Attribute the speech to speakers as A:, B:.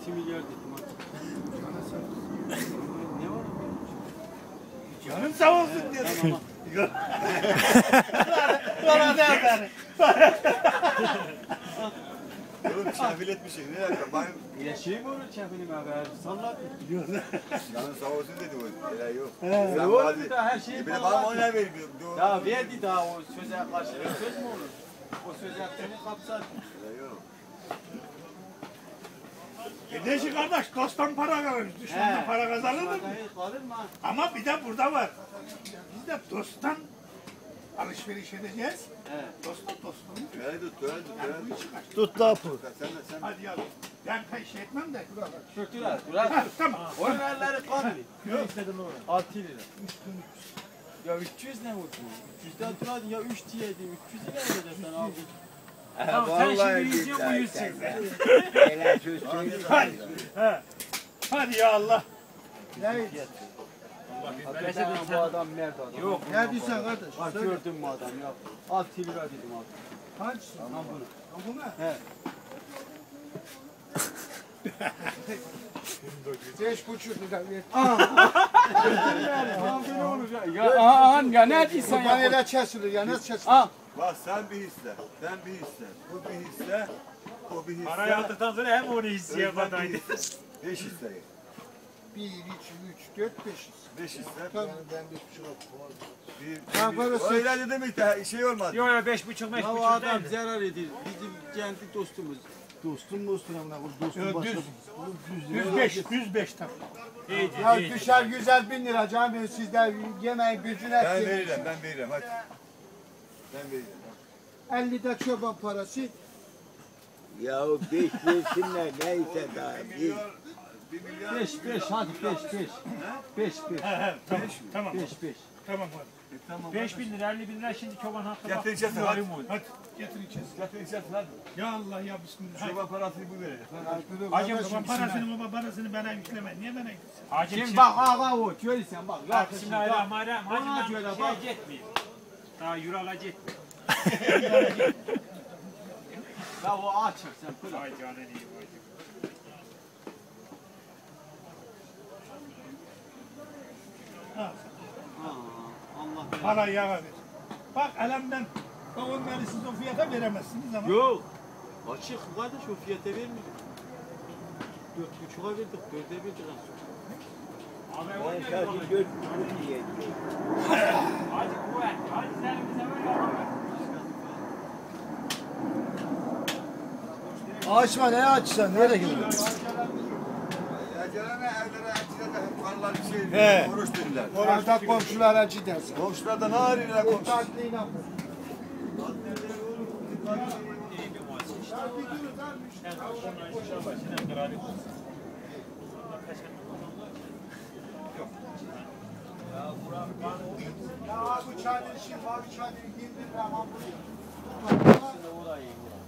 A: 2 milyar dedim hadi. Ne var?
B: Canım sağ olsun diyor.
A: Tamam.
B: Bana da atar.
C: Oğlum çafil etmişsin. Ne yapayım?
A: Ya şey mi olur çapını haber? Sallat.
C: Canın sağ olsun dedi o. Öyle yok.
A: Ne oldu da her şeyi
C: Bir de
A: falan.
C: bana oynar vermiyor.
A: Ya verdi daha o söze karşılık söz mü olur? O söz hakkını kapsar.
C: Öyle yok.
B: Kardeşi kardeş dosttan para kazanır. Düşmandan para kazanır mı?
A: Kalır mı?
B: Ama bir de burada var. Biz de dosttan alışveriş edeceğiz.
A: He.
B: Dosttan dostluğunu.
C: Öyle tut, öyle tut, öyle tut.
B: Tut lafı.
C: Sen.
B: Hadi yavrum. Ben şey etmem de.
A: Şöktüler.
B: Ha, tamam.
A: Onun elleri kanlı.
B: Yok istedim onu.
A: 6 lira. Ya 300 ne oldu? 300'den turadın ya 3 diyeydim. 300'ü ne vereceksin abi?
B: Tamam sen şimdi 100 yok bu 100 çeksin. Hadi. He. Hadi ya Allah.
A: Hakikaten bu adam mert adam. Yok.
D: Ne diyorsun kardeş?
A: Bak gördün mü adam ya? 6 lira dedim abi.
D: Hangisi?
A: Lan bunu.
D: Bu mu?
A: He.
D: 5,5 lira ver.
A: Ne olur ya? Ya ne diyorsun
D: Bana
A: ya?
D: da kesilir ya nasıl kesilir?
A: Ah.
C: Bak sen bir hisse. Sen bir hisse. Bu bir hisse. O bir hisse.
B: Parayı aldıktan sonra hem onu hisseye
C: Özlem bir
B: badaydı.
C: hisse. 5 hisse.
D: 1, 2, 3, 4, 5.
C: 5 hisse.
D: Tamam.
C: Bir,
D: Ha, parası-
C: öyle dedim işte şey olmaz.
B: Yok ya 5,5
A: Ya o adam zarar ediyor. Bizim kendi dostumuz.
D: Dostum amına koyayım dostum
B: Yok,
D: başka.
B: düz. 105 tabii.
D: Ya düşer güzel 1000 lira canım sizden yemeğin gücüne
C: Ben
D: etsin.
C: veririm hadi. Ben veririm.
D: 50 de çoban parası.
E: Ya 5 versinler neyse daha.
C: 1 milyar.
A: 5 hadi 5.
B: Tamam.
A: 5.
B: Tamam hadi.
C: Tamam.
B: 5.000 lira 50.000 lira şimdi çoban hakkı bak.
C: Getireceğiz hadi.
B: Hadi getireceğiz.
C: Getireceğiz hadi.
B: Ya Allah ya bismillah. Hadi.
C: Çoban parasını bu verecek.
B: Hacım çoban parasını baba parasını bana yükleme. Niye bana yüklesin? Hacım
A: Şimdi bak ağa o görürsen bak.
B: Bak bismillahirrahmanirrahim.
A: Ona
B: Hacım
A: göre
B: ben
A: bak.
B: şey etmeyeyim. Daha euro alacak.
A: Ya o açık sen pıla.
B: Vay canına iyi vay.
A: Allah.
B: Parayı yağa ver. Bak elimden onları siz o fiyata veremezsiniz ama.
A: Yok. Açık kardeş o fiyata vermiyor. 4,5'a verdik, 4'e verdik az sonra.
B: Abi
E: Ben sadece 4,5 diye diyor.
B: Hacı kuvvet. Hacı sen bize böyle yapamazsın.
D: Açma ne açsan nereye gidiyorsun?
C: Aceleme evlere acile de hep karılar bir
B: He.
C: şey oruç dediler.
D: Orada komşulara acı dersin.
C: Komşulardan ağrıyla komşu.
D: Tatlıyla. Ya bu çadır işi var, çadır 20 lira ama buraya.
A: Orayı.